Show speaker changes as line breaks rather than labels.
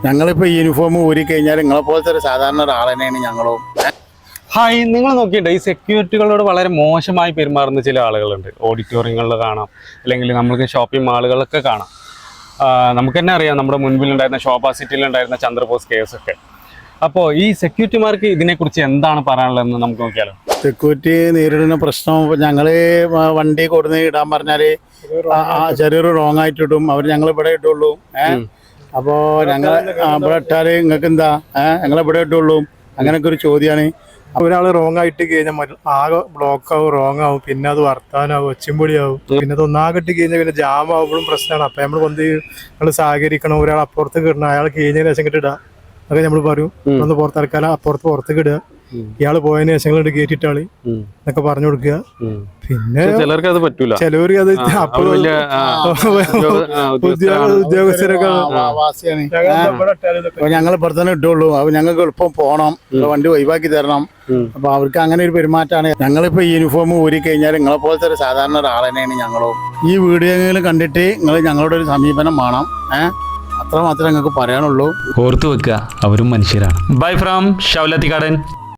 ഞങ്ങളിപ്പോൾ യൂണിഫോം ഊരി കഴിഞ്ഞാൽ നിങ്ങളെ പോലത്തെ ഒരു സാധാരണ ഒരാളെന്നെയാണ് ഞങ്ങളും.
ഹായ്, നിങ്ങൾ നോക്കിയിട്ട് ഈ സെക്യൂരിറ്റികളോട് വളരെ മോശമായി പെരുമാറുന്ന ചില ആളുകളുണ്ട്. ഓഡിറ്റോറിയങ്ങളിൽ കാണാം, അല്ലെങ്കിൽ നമ്മൾക്ക് ഷോപ്പിംഗ് മാളുകളിലൊക്കെ കാണാം. നമുക്ക് തന്നെ അറിയാം, നമ്മുടെ മുൻപിലുണ്ടായിരുന്ന ശോഭാ സിറ്റിയിലുണ്ടായിരുന്ന ചന്ദ്രബോസ് കേസൊക്കെ. അപ്പോൾ ഈ സെക്യൂരിറ്റിമാർക്ക് ഇതിനെക്കുറിച്ച് എന്താണ് പറയാനുള്ളതെന്ന് നമുക്ക് നോക്കിയാലോ.
സെക്യൂരിറ്റി നേരിടുന്ന പ്രശ്നം ഞങ്ങൾ വണ്ടി കൊടുന്ന് ഇടാൻ പറഞ്ഞാൽ ചെറിയൊരു റോങ് ആയിട്ട് ഇടും. അവർ ഞങ്ങൾ ഇവിടെ ഇട്ടുള്ളൂ. അപ്പോൾ ഞങ്ങൾ ഇവിടെ ഇട്ടാൽ നിങ്ങൾക്ക് എന്താ ഞങ്ങളിവിടെ ഇട്ടുള്ളൂ. അങ്ങനെയൊക്കെ ഒരു ചോദ്യമാണ്.
ഒരാൾ റോങ് ആയിട്ട് കഴിഞ്ഞാൽ ആകെ ബ്ലോക്ക് ആവും, റോങ് ആവും, പിന്നെ അത് വർത്താനാവും, ഒച്ചിമ്പൊളിയാവും, പിന്നെ അത് ഒന്നാകെ ഇട്ട് കഴിഞ്ഞാൽ പിന്നെ ജാം ആവുമ്പോഴും പ്രശ്നമാണ്. അപ്പം നമ്മൾ നമ്മൾ സഹകരിക്കണം. ഒരാൾ അപ്പുറത്ത് കിടണം, അയാൾ കഴിഞ്ഞതിന് ശേഷം കിട്ടിടാം. അതൊക്കെ നമ്മൾ പറയും. ഒന്ന് പുറത്തിറക്കാല, പുറത്തേക്ക് ഇടുക, ഇയാള് പോയതിനു ശേഷം നിങ്ങൾ കയറ്റിട്ടാളി എന്നൊക്കെ പറഞ്ഞു കൊടുക്കുക. പിന്നെ
ചിലർക്ക് അത് പറ്റൂല,
ചിലവർക്ക് അത് ഉദ്യോഗസ്ഥരൊക്കെ
ഞങ്ങൾ ഇവിടെ തന്നെ ഇട്ടുള്ളൂ. അപ്പൊ ഞങ്ങൾക്ക് എളുപ്പം പോകണം, വണ്ടി ഒഴിവാക്കി തരണം. അപ്പൊ അവർക്ക് അങ്ങനെ ഒരു പെരുമാറ്റമാണ്. ഞങ്ങളിപ്പോ യൂണിഫോം ഊരി കഴിഞ്ഞാൽ നിങ്ങളെ പോലത്തെ ഒരു സാധാരണ ഒരാളെന്നെയാണ് ഞങ്ങളും. ഈ വീഡിയോകൾ കണ്ടിട്ട് നിങ്ങൾ ഞങ്ങളുടെ ഒരു സമീപനം വേണം. അത്ര മാത്രമേ ഞങ്ങൾക്ക് പറയാനുള്ളൂ.
ഓർത്തു വെക്കുക, അവരും മനുഷ്യരാണ്. Bye from ഷൗലത്തിക്കാടൻ.